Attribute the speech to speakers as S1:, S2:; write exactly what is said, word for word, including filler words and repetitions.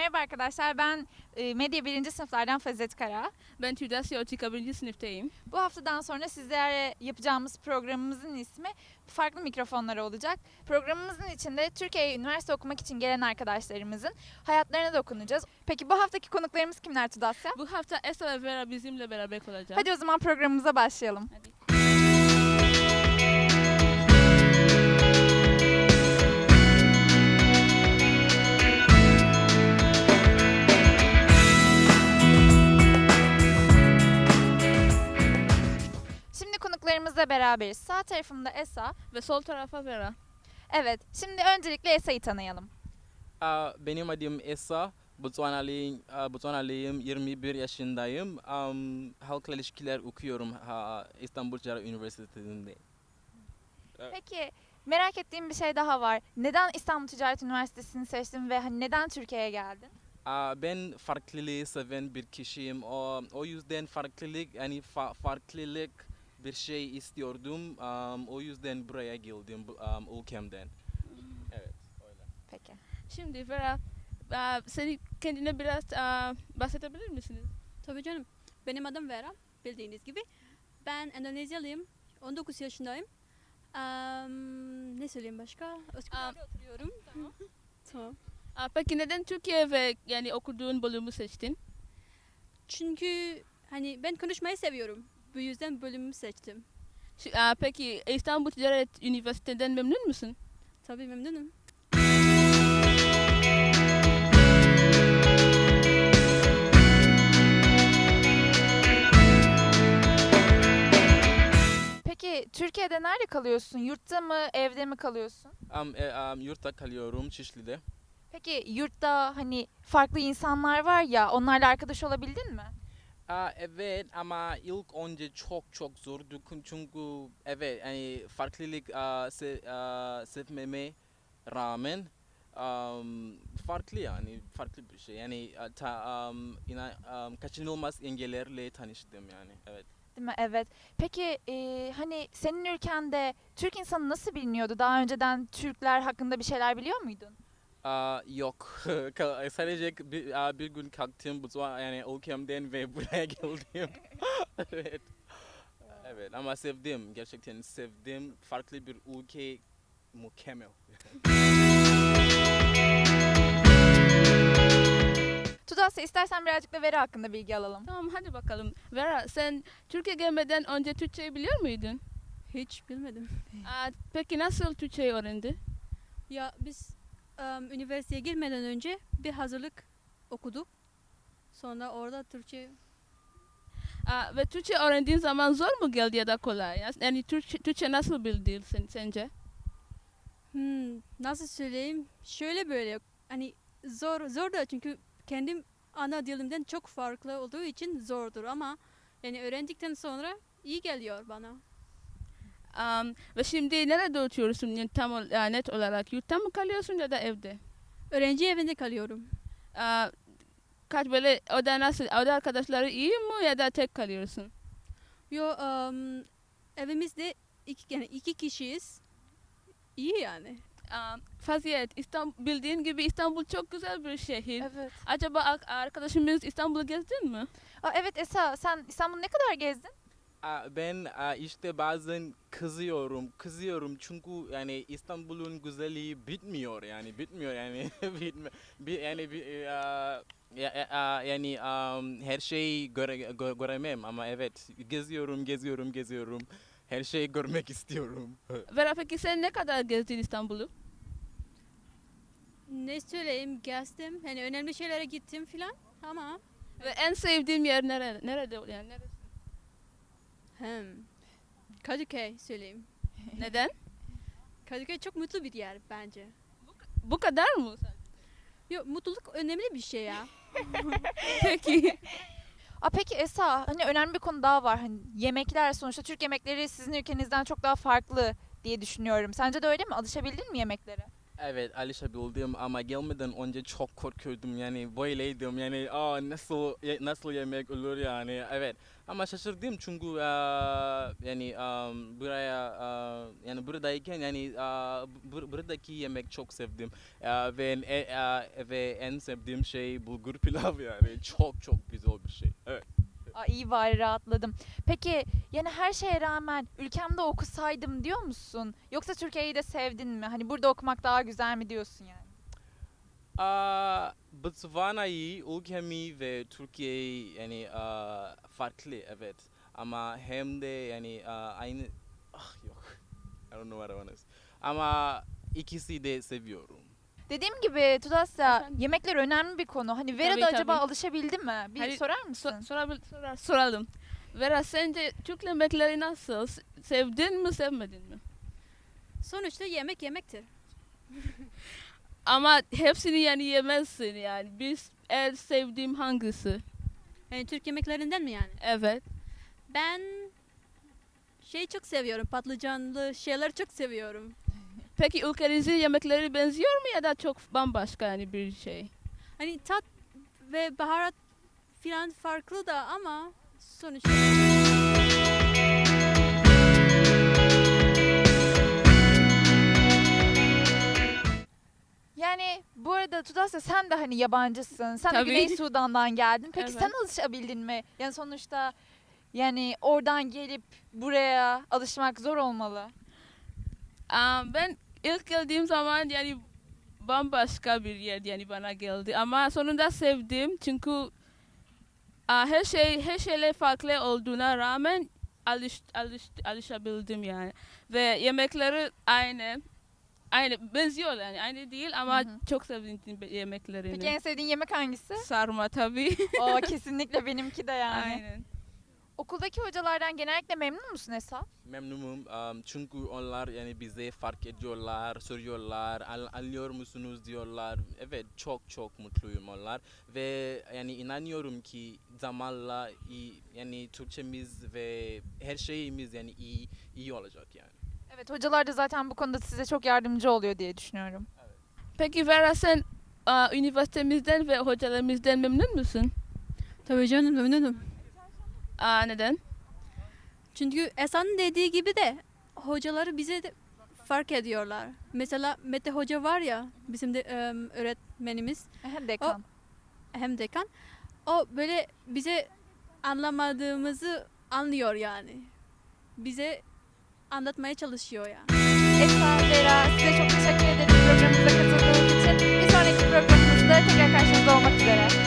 S1: Merhaba arkadaşlar, ben e, Medya birinci sınıflardan Fazet Kara.
S2: Ben Tüydas Yotika birinci sınıftayım.
S1: Bu haftadan sonra sizlere yapacağımız programımızın ismi Farklı Mikrofonlar olacak. Programımızın içinde Türkiye'ye üniversite okumak için gelen arkadaşlarımızın hayatlarına dokunacağız. Peki bu haftaki konuklarımız kimler Tudasya?
S2: Bu hafta Esa ve Vera bizimle beraber olacak.
S1: Hadi o zaman programımıza başlayalım.
S2: Hadi.
S1: Şimdi konuklarımızla beraberiz. Sağ tarafımda Esa.
S2: Ve sol tarafa Vera.
S1: Evet, şimdi öncelikle Esa'yı tanıyalım.
S3: Aa, benim adım Esa, Botswanalıyım, aa, Botswanalıyım, yirmi bir yaşındayım. Um, halkla ilişkiler okuyorum ha, İstanbul Ticaret Üniversitesi'nde. Evet.
S1: Peki merak ettiğim bir şey daha var. Neden İstanbul Ticaret Üniversitesi'ni seçtin ve hani neden Türkiye'ye geldin?
S3: Aa, ben farklılığı seven bir kişiyim. O, o yüzden farklılık, yani fa- farklılık bir şey istiyordum. Um, o yüzden buraya geldim, bu- um, ülkemden. Evet, öyle.
S1: Peki.
S2: Şimdi Vera, aa, seni kendine biraz aa, bahsedebilir misiniz?
S4: Tabii canım. Benim adım Vera, bildiğiniz gibi. Ben Endonezyalıyım, on dokuz yaşındayım. Am, ne söyleyeyim başka? Üsküdar'da oturuyorum. Tamam. Tamam.
S2: Aa, peki neden Türkiye ve yani okuduğun bölümü seçtin?
S4: Çünkü hani ben konuşmayı seviyorum. Bu yüzden bölümümü seçtim.
S2: Şu- aa, peki İstanbul Ticaret Üniversitesi'nden memnun musun?
S4: Tabii memnunum.
S1: Peki Türkiye'de nerede kalıyorsun? Yurtta mı, evde mi kalıyorsun?
S3: Um, e, um, yurtta kalıyorum Şişli'de.
S1: Peki yurtta hani farklı insanlar var ya, onlarla arkadaş olabildin mi?
S3: Aa, evet ama ilk önce çok çok zordu çünkü evet yani farklılık aa, se, aa, sevmeme rağmen am, farklı yani farklı bir şey yani aa, ta, am, ina, am, kaçınılmaz engellerle tanıştım yani evet.
S1: Değil mi? Evet. Peki e, hani senin ülkende Türk insanı nasıl biliniyordu? Daha önceden Türkler hakkında bir şeyler biliyor muydun?
S3: Aa, yok Ka- sadece bir, aa, bir gün kalktım bu yani ülkemden ve buraya geldim. Evet. Evet ama sevdim gerçekten sevdim farklı bir ülke mükemmel.
S1: Tudasya istersen birazcık da Vera hakkında bilgi alalım.
S2: Tamam hadi bakalım. Vera sen Türkiye gelmeden önce Türkçeyi biliyor muydun?
S4: Hiç bilmedim.
S2: Aa, peki nasıl Türkçeyi öğrendin?
S4: Ya biz am, üniversiteye girmeden önce bir hazırlık okuduk. Sonra orada Türkçe.
S2: Aa, ve Türkçe öğrendiğin zaman zor mu geldi ya da kolay? Yani Türkçe, Türkçe nasıl bildin sen, sence?
S4: Hmm, nasıl söyleyeyim? Şöyle böyle hani zor zor da çünkü kendim ana dilimden çok farklı olduğu için zordur ama yani öğrendikten sonra iyi geliyor bana.
S2: Um, ve şimdi nerede oturuyorsun? Yani tam ol- ya net olarak yurtta mı kalıyorsun ya da evde?
S4: Öğrenci evinde kalıyorum.
S2: Aa, kaç böyle oda nasıl? Oda arkadaşları iyi mi ya da tek kalıyorsun?
S4: Yo um, evimizde iki yani iki kişiyiz. İyi yani.
S2: Aa, Faziyet, İstanbul, bildiğin gibi İstanbul çok güzel bir şehir.
S1: Evet.
S2: Acaba ar- arkadaşımız İstanbul'u gezdin mi?
S1: Aa, evet Esa, sen İstanbul'u ne kadar gezdin?
S3: Aa, ben aa, işte bazen kızıyorum kızıyorum çünkü yani İstanbul'un güzelliği bitmiyor yani bitmiyor yani bitme, bi, yani bi, aa, ya, ya- aa, yani um, her şeyi göre, gö- göremem ama evet geziyorum geziyorum geziyorum her şeyi görmek istiyorum.
S2: Vera peki sen ne kadar gezdin İstanbul'u?
S4: Ne söyleyeyim gezdim. Hani önemli şeylere gittim filan ama
S2: Ve en sevdiğin yer nerede? Nerede yani neresi?
S4: hem Kadıköy söyleyeyim.
S2: Neden?
S4: Kadıköy çok mutlu bir yer bence.
S2: Bu kadar mı?
S4: Yok mutluluk önemli bir şey ya.
S2: Peki.
S1: Aa, peki Esa, hani önemli bir konu daha var. Hani yemekler, sonuçta Türk yemekleri sizin ülkenizden çok daha farklı diye düşünüyorum. Sence de öyle mi? Alışabildin mi yemeklere?
S3: Evet, alışabildim ama gelmeden önce çok korkuyordum yani böyleydim yani aa nasıl ye- nasıl yemek olur yani evet ama şaşırdım çünkü aa, yani am, buraya aa, yani buradayken yani aa, bur- buradaki yemek çok sevdim. Aa, ve en, e- aa, ve en sevdiğim şey bulgur pilav yani çok çok güzel bir şey. Evet.
S1: Aa, iyi bari rahatladım. Peki yani her şeye rağmen ülkemde okusaydım diyor musun? Yoksa Türkiye'yi de sevdin mi? Hani burada okumak daha güzel mi diyorsun yani?
S3: Aa, Botswana'yı, ülkemi ve Türkiye'yi yani aa, farklı evet ama hem de yani aa, aynı ah yok I don't know what I want to say. Ama ikisi de seviyorum.
S1: Dediğim gibi Tudasya
S2: Efendim?
S1: yemekler önemli bir konu. Hani Vera
S2: Tabii,
S1: da acaba
S2: tabii.
S1: alışabildi mi? Bir
S2: Hayır,
S1: sorar mısın?
S2: So, sorabil, sorar, soralım. Vera sence Türk yemekleri nasıl? Se- Sevdin mi sevmedin mi?
S4: Sonuçta yemek yemektir.
S2: Ama hepsini yani yemezsin yani. Biz en sevdiğim hangisi?
S4: Yani Türk yemeklerinden mi yani?
S2: Evet.
S4: Ben şey çok seviyorum. Patlıcanlı şeyler çok seviyorum.
S2: Peki ülkenizin yemekleri benziyor mu ya da çok bambaşka yani bir şey?
S4: Hani tat ve baharat filan farklı da ama sonuçta
S1: Yani bu arada Tudasya sen de hani yabancısın. Sen de
S2: Tabii.
S1: Güney Sudan'dan geldin. Peki sen
S2: Evet.
S1: alışabildin mi? Yani sonuçta yani oradan gelip buraya alışmak zor olmalı.
S2: Aa, ben ilk geldiğim zaman yani bambaşka bir yer yani bana geldi ama sonunda sevdim çünkü aa, her şey her şeyle farklı olduğuna rağmen alış, alış, alışabildim yani ve yemekleri aynı aynı benziyor yani aynı değil ama
S1: Hı hı.
S2: çok sevdim yemeklerini.
S1: Peki en sevdiğin yemek hangisi?
S2: Sarma tabii.
S1: O kesinlikle benimki de yani.
S2: Aynen.
S1: Okuldaki hocalardan genellikle memnun musun Esat?
S3: Memnunum um, çünkü onlar yani bize fark ediyorlar, soruyorlar, "Al- anlıyor musunuz diyorlar. Evet çok çok mutluyum onlar ve yani inanıyorum ki zamanla iyi, yani Türkçemiz ve her şeyimiz yani iyi iyi olacak yani.
S1: Evet, hocalar da zaten bu konuda size çok yardımcı oluyor diye düşünüyorum.
S2: Peki Vera sen aa, üniversitemizden ve hocalarımızdan memnun musun?
S4: tabii canım memnunum.
S2: Aa, neden?
S4: Çünkü Esan'ın dediği gibi de hocaları bize de fark ediyorlar. Mesela Mete Hoca var ya bizim de em, öğretmenimiz
S1: Dekan.
S4: hem dekan. O böyle bize anlamadığımızı anlıyor yani. Bize anlatmaya çalışıyor yani.
S1: Esra, Vera size çok teşekkür ederim programımıza katıldığınız için. Bir sonraki programımızda tekrar karşınızda olmak üzere.